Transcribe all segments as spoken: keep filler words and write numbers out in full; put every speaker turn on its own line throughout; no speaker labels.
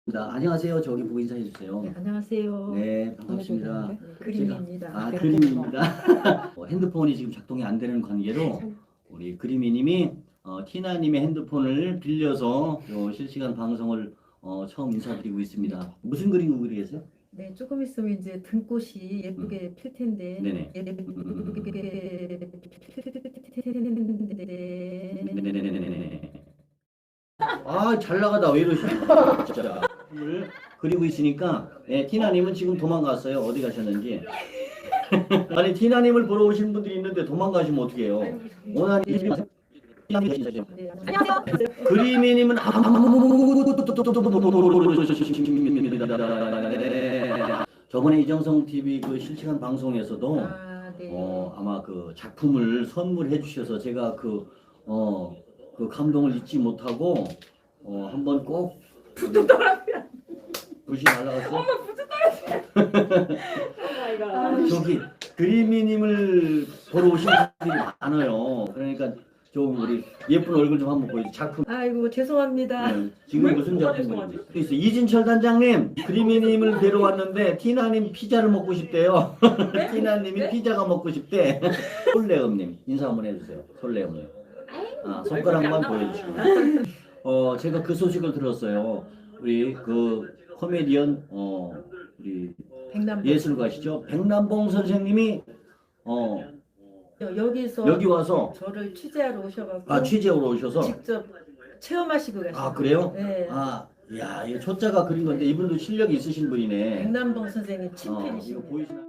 안녕하세요. 저기 보고 인사해 주세요.
네, 안녕하세요.
네, 반갑습니다.
네, 그림입니다.
제가, 아, 그림입니다. 어, 핸드폰이 지금 작동이 안 되는 관계로 우리 그림이님이 어, 티나님의 핸드폰을 빌려서 요 실시간 방송을 어, 처음 인사드리고 있습니다. 무슨 그림 그리고 계세요?
네, 조금 있으면 이제 등꽃이 예쁘게 필 텐데.
네네. 네네네네네. 아, 잘 나가다. 왜 이러시냐? 진짜. 을 그리고 있으니까 예, 티나님은 지금 도망갔어요. 어디 가셨는지. 아니 티나님을 보러 오신 분들이 있는데 도망가시면 어떡해요? 오늘 그리미님은 저번에 이정성 티비 그 실시간 방송에서도
아, 네.
어, 아마 그 작품을 선물해 주셔서 제가 그 어, 그 감동을 잊지 못하고 어, 한번 꼭
부뚜 떨어뜨려.
불씨 날라갔어?
엄마 부뚜 떨어뜨려. 오마이갓.
저기 그리미님을 보러 오신 분들이 많아요. 그러니까 좀 우리 예쁜 얼굴 좀 한번 보여주세요. 작품.
아이고 죄송합니다.
네, 지금 무슨 작품인지. 또 있어요. 이진철 단장님, 그리미님을 뵈러 왔는데 티나님 피자를 먹고 싶대요. 티나님이 피자가 먹고 싶대. 솔레음님 인사 한번 해주세요. 솔레음님. 아, 손가락만 보여주시고. 어, 제가 그 소식을 들었어요. 우리 그 코미디언 어 우리
백남봉.
예술가시죠. 백남봉 선생님이 어
여기서
여기 와서
저를 취재하러 오셔가지고
아 취재하러 오셔서
직접 체험하시고 가셨어요.
아 그래요?
네.
아, 야, 이 초짜가 그린 건데 이분도 실력이 있으신 분이네.
백남봉 선생님
어, 이거
친필이시고.
보이시나?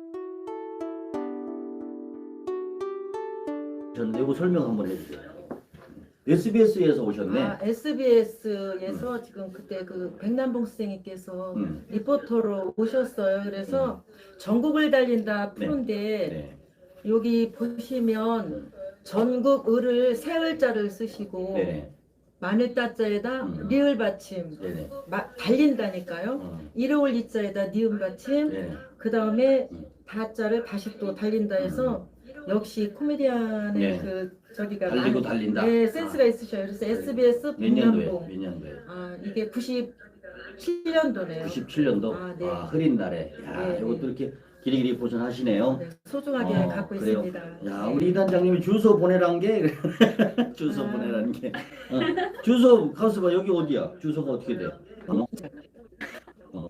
저는 이거 설명 한번 해주세요. 에스비에스에서 오셨네.
아, 에스비에스에서 지금 그때 그 백남봉 선생님께서
음.
리포터로 오셨어요. 그래서 전국을 달린다 푸른데
네.
여기 보시면 전국 을을 세 을자를 쓰시고
네.
마늘 따자에다
음.
리을 받침
네네.
마, 달린다니까요.
어,
일월 이자에다 니은 받침
네.
그 다음에
음.
다자를 다시 또 달린다 해서 역시 코미디언의
네.
그 저기가
달리고
많이-
달린다.
네, 센스가
아.
있으셔요. 그래서 에스비에스
몇 년도에?
백남봉.
몇 년도에?
아 이게 구십칠 년도네요.
구십칠 년도.
아, 네.
아, 흐린 날에. 야,
네,
이것도
네.
이렇게 길이길이 보존하시네요.
네, 소중하게
어,
갖고
그래요?
있습니다.
야,
네.
우리 이 단장님이 주소 보내란 게 주소
아.
보내라는 게 어. 주소 가서 봐. 여기 어디야? 주소가 어떻게 돼? 어? 어.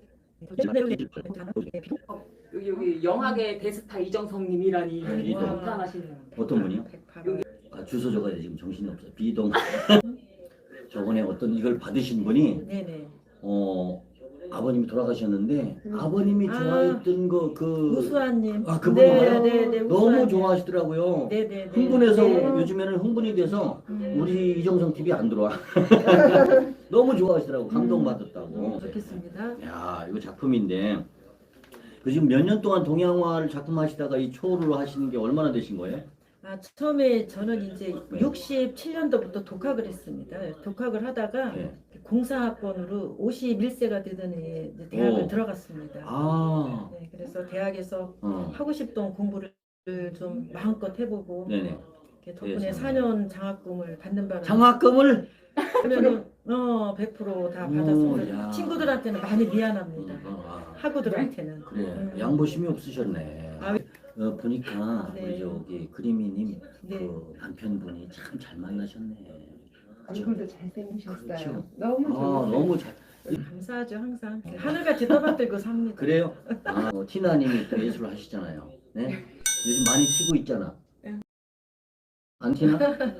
여기 여기 영화계 대스타 이정성님이라니
네,
와.
감탄하시네요.
어떤 분이요?
백팔.
아, 주소 적어야 지금 정신이 없어. 비동. 저번에 어떤 이걸 받으신 분이
네네.
어 아버님이 돌아가셨는데 아버님이
아.
좋아했던 거 그
우수아님.
아, 그분 알아요?
네네네.
너무 좋아하시더라고요.
네네네.
흥분해서
네.
요즘에는 흥분이 돼서
음.
우리 이정성 티비 안 들어와. 너무 좋아하시더라고. 감동받았다고.
좋겠습니다.
야, 이거 작품인데 그 지금 몇 년 동안 동양화를 작품하시다가 이 초를 하시는 게 얼마나 되신 거예요?
아, 처음에 저는 이제
네.
육십칠 년도부터 독학을 했습니다. 독학을 하다가
네.
공사학번으로 오십일 세가 되더니 이제 대학을
오.
들어갔습니다.
아,
네, 그래서 대학에서
어,
하고 싶던 공부를 좀 마음껏 해보고
네네.
이렇게 덕분에
그래서.
사 년 장학금을 받는 바람에
장학금을
그러면은 어 백 퍼센트 다
오,
받았습니다.
야.
친구들한테는 많이 미안합니다.
어, 아,
학우들한테는.
그래
음.
양보심이 없으셨네.
아,
어, 보니까
네.
우리 저기 그리미님
네.
그 남편분이 참 잘 만나셨네. 그죠?
얼굴도 잘생기셨어요.
그렇죠.
너무
아,
좋으세요.
너무 잘.
감사하죠 항상. 하늘같이 떠받들고 삽니다.
그래요? 아, 어, 티나님이 또 예술을 하시잖아요. 네? 요즘 많이 치고 있잖아.
네.
안 티나?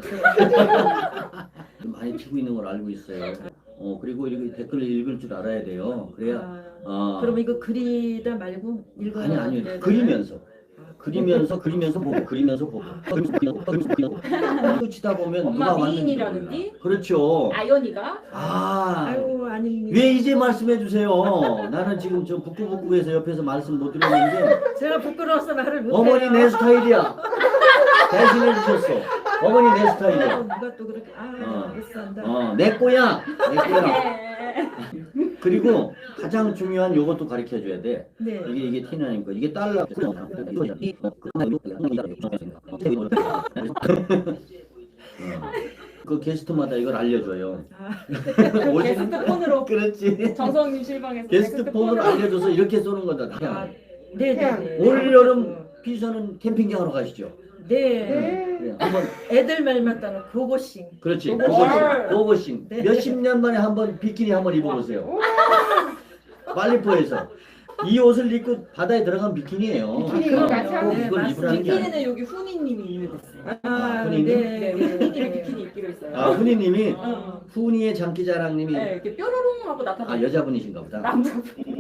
많이 치고 있는 걸 알고 있어요. 어 그리고 이렇게 댓글을 읽을 줄 알아야 돼요. 그래야.
아,
아,
그럼 이거 그리다 말고 읽어.
아니 아니 그리면서 그리면서 그리면서 보고 그리면서 보고 그리면서 보고 그리면서 치다 보면
엄마
누가 왔는지
미인이라는디?
몰라. 그렇죠.
아연이가
아.
아유 아닙니다.
왜 이제 말씀해 주세요? 나는 지금 저 북구북구에서 옆에서 말씀 못 드렸는데
제가 부끄러워서 말을 못해요.
어머니 내 스타일이야. 대신해 주셨어. 어머니 내 스타일이야.
누가 또 그렇게 아
어.
못산다.
어, 내 거야. 내 거야. 그리고 가장 중요한 요것도 가르쳐 줘야 돼.
네.
이게 이게 티나님 거. 이게 달러. 어. 그 게스트마다 이걸 알려줘요.
아,
오시는
게스트 폰으로
그렇지.
정성님 실방에서
게스트 폰으로 알려줘서 이렇게 쏘는 거다.
아, 네네네.
올 여름 피서는 캠핑장 하러 가시죠.
네.
네, 한번
애들 말만 따는 고고싱.
그렇지.
고고싱.
고고싱. 고고싱.
네.
몇십 년 만에 한번 비키니 한번 입어보세요. 말리포에서 이 옷을 입고 바다에 들어간 비키니예요.
비키니가
어,
맞아.
꼭
네,
이걸 입으라는 게 아니에요.
비키니는 여기 훈이님이 이해됐어요.
아,
훈이님?
네.
네, 우리 훈이님이 비키니 입기로 했어요.
아 훈이님이
어.
훈이의 장기자랑님이
네, 이렇게 뾰로롱 하고 나타나.
아 여자분이신가 보다.
남자.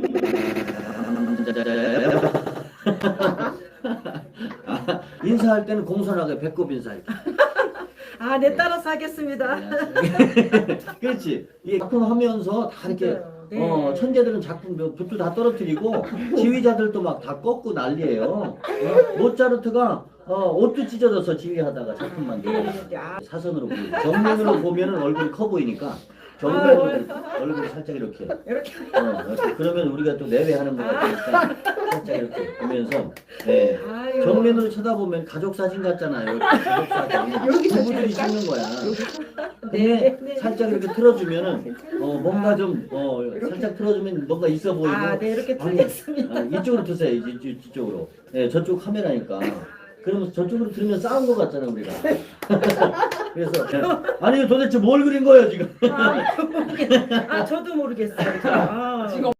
아, 인사할 때는 공손하게 배꼽 인사할게.
아, 네, 따라서 하겠습니다.
그렇지. 이 작품 하면서 다 이렇게
네.
어, 천재들은 작품 몇 붓도 다 떨어뜨리고 지휘자들도 막 다 꺾고 난리예요. 어? 모차르트가 어, 옷도 찢어져서 지휘하다가 작품 만들고
네, 아,
사선으로 보이고 정면으로 보면은 얼굴이 커 보이니까 정면으로 얼굴이 살짝 이렇게
이렇게.
어, 이렇게. 그러면 우리가 또 내외하는 것 같으니까 살짝 이렇게 보면서 네.
아유.
정면으로 쳐다보면 가족 사진 같잖아요. 이렇게 가족 사진. 부부들이 찍는 거야. 근데
네, 네.
살짝 이렇게 틀어주면은 어, 뭔가 좀 어, 살짝 틀어주면 뭔가 있어 보이고.
아, 네, 이렇게
아니,
틀렸습니다.
아, 이쪽으로 드세요. 이제 이쪽, 이쪽으로. 네, 저쪽 카메라니까. 그러면 저쪽으로 들으면 싸운 것 같잖아 우리가. 그래서 네. 아니 이거 도대체 뭘 그린 거예요 지금?
아, 모르겠, 아, 저도 모르겠어요. 아,
지금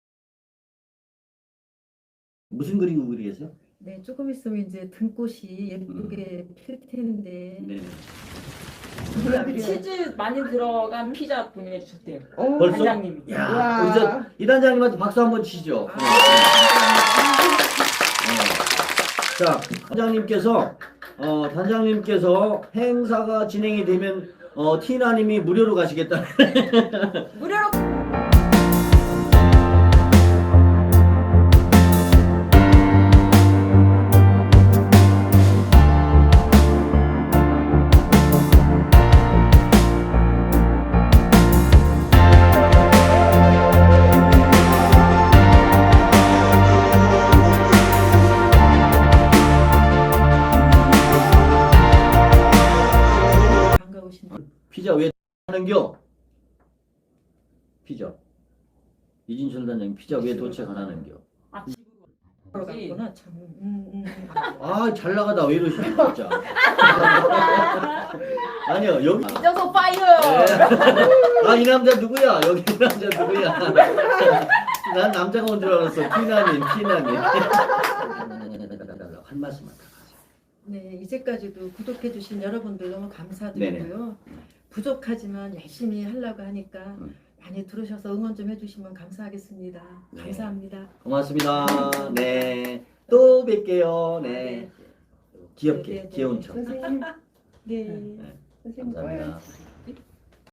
무슨 그리고 그리 계세요?
네, 조금 있으면 이제 등꽃이 예쁘게 필 텐데.
네.
치즈 많이 들어간 피자 보내해 주셨대요.
어,
벌써?
단장님이.
야,
와.
우리 저 이단장님한테 박수 한번 치죠.
아,
네. 자, 단장님께서 어, 단장님께서 행사가 진행이 되면 어, 티나님이 무료로 가시겠다.
무료로
반가우신데.
피자 왜 하는겨? 피자. 이진철 단장님 피자 왜 도착 안 하는겨?
아 집으로 그러지.
그러구나 참. 음, 음.
아, 잘 나가다 왜 이러시냐 진짜. 아니요 여기.
이정석 파이어.
아, 이 남자 누구야? 여기 이 남자 누구야? 난 남자가 온 줄 알았어. 티나님, 티나님. 한 말씀만 더 하세요.
네, 이제까지도 구독해주신 여러분들 너무 감사드리고요. 부족하지만 열심히 하려고 하니까
음.
많이 들으셔서 응원 좀 해주시면 감사하겠습니다.
네.
감사합니다.
고맙습니다. 네. 또 뵐게요. 네. 귀엽게,
네, 네, 네.
귀여운 척.
선생님,
네.
네.
선생님
감사합니다.
꺼요.